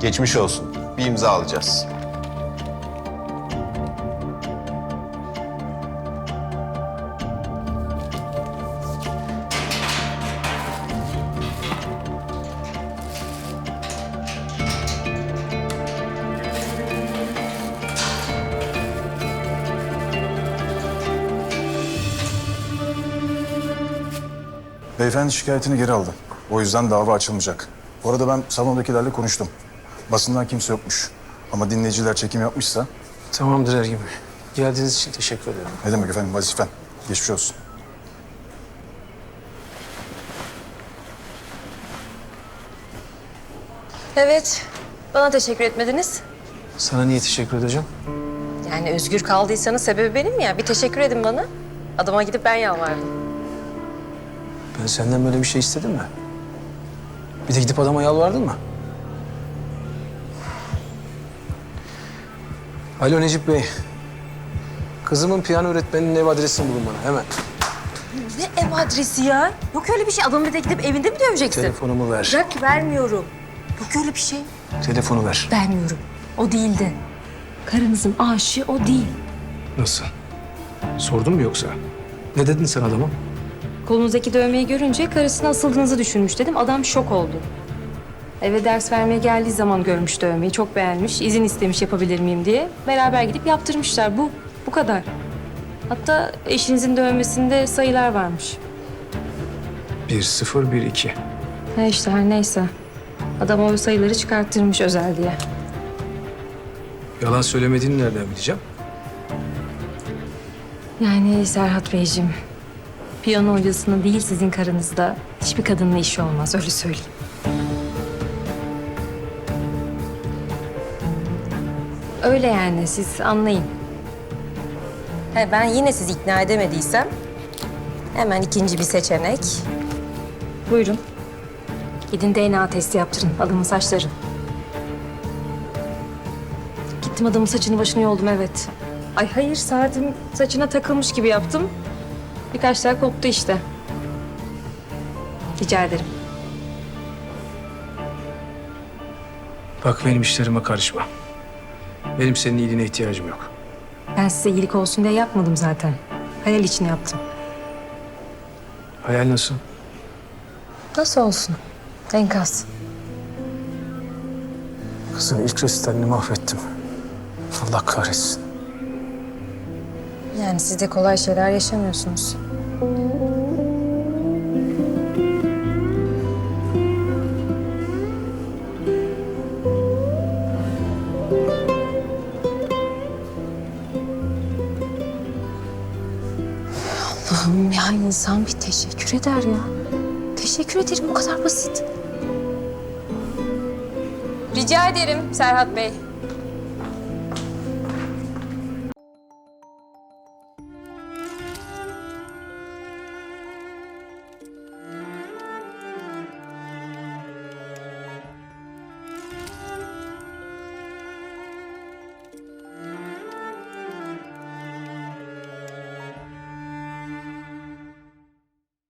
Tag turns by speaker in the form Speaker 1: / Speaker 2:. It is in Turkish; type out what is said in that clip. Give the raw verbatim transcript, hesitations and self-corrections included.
Speaker 1: Geçmiş olsun. Bir imza alacağız.
Speaker 2: Beyefendi şikayetini geri aldı. O yüzden dava açılmayacak. Bu arada ben salondakilerle konuştum. Basından kimse yokmuş. Ama dinleyiciler çekim yapmışsa...
Speaker 3: Tamamdır Ergin Bey. Geldiğiniz için teşekkür ederim.
Speaker 2: Ne demek efendim, vazifen. Geçmiş olsun.
Speaker 4: Evet, bana teşekkür etmediniz.
Speaker 3: Sana niye teşekkür edeceğim?
Speaker 4: Yani özgür kaldıysanız sebebi benim ya. Bir teşekkür edin bana. Adama gidip ben yalvardım.
Speaker 3: Ben senden böyle bir şey istedim mi? Bir de gidip adama yalvardın mı? Alo Necip Bey. Kızımın piyano öğretmeninin ev adresini bulun bana hemen.
Speaker 4: Ne ev adresi ya? Yok öyle bir şey. Adamı bir de gidip evinde mi döveceksin?
Speaker 3: Telefonumu ver.
Speaker 4: Bırak, vermiyorum. Yok öyle bir şey.
Speaker 3: Telefonu ver.
Speaker 4: Vermiyorum. O değildi. Karınızın aşığı o değil.
Speaker 3: Nasıl? Sordun mu yoksa? Ne dedin sen adama?
Speaker 4: Kolunuzdaki dövmeyi görünce karısına asıldığınızı düşünmüş dedim. Adam şok oldu. Eve ders vermeye geldiği zaman görmüş dövmeyi. Çok beğenmiş. İzin istemiş yapabilir miyim diye. Beraber gidip yaptırmışlar. Bu. Bu kadar. Hatta eşinizin dövmesinde sayılar varmış.
Speaker 3: Bir, sıfır, bir, iki.
Speaker 4: Ne işte her neyse. Adam o sayıları çıkarttırmış özel diye.
Speaker 3: Yalan söylemediğini nereden bileceğim?
Speaker 4: Yani Serhat Beyciğim, piyano hocasının değil sizin karınızda hiçbir kadınla işi olmaz, öyle söyleyeyim. Öyle yani, siz anlayın. He, ben yine sizi ikna edemediysem hemen ikinci bir seçenek. Buyurun. Gidin D N A testi yaptırın, adamın saçları. Gittim adamın saçını başını yoldum, evet. Ay hayır, saatim saçına takılmış gibi yaptım. Birkaç tane koptu işte. Rica ederim.
Speaker 3: Bak benim işlerime karışma. Benim senin iyiliğine ihtiyacım yok.
Speaker 4: Ben size iyilik olsun diye yapmadım zaten. Hayal için yaptım.
Speaker 3: Hayal nasıl?
Speaker 4: Nasıl olsun? Enkaz.
Speaker 3: Kızın ilk resitalini mahvettim. Allah kahretsin.
Speaker 4: Yani siz de kolay şeyler yaşamıyorsunuz. Allah'ım ya, insan bir teşekkür eder ya. Teşekkür ederim, bu kadar basit. Rica ederim Serhat Bey.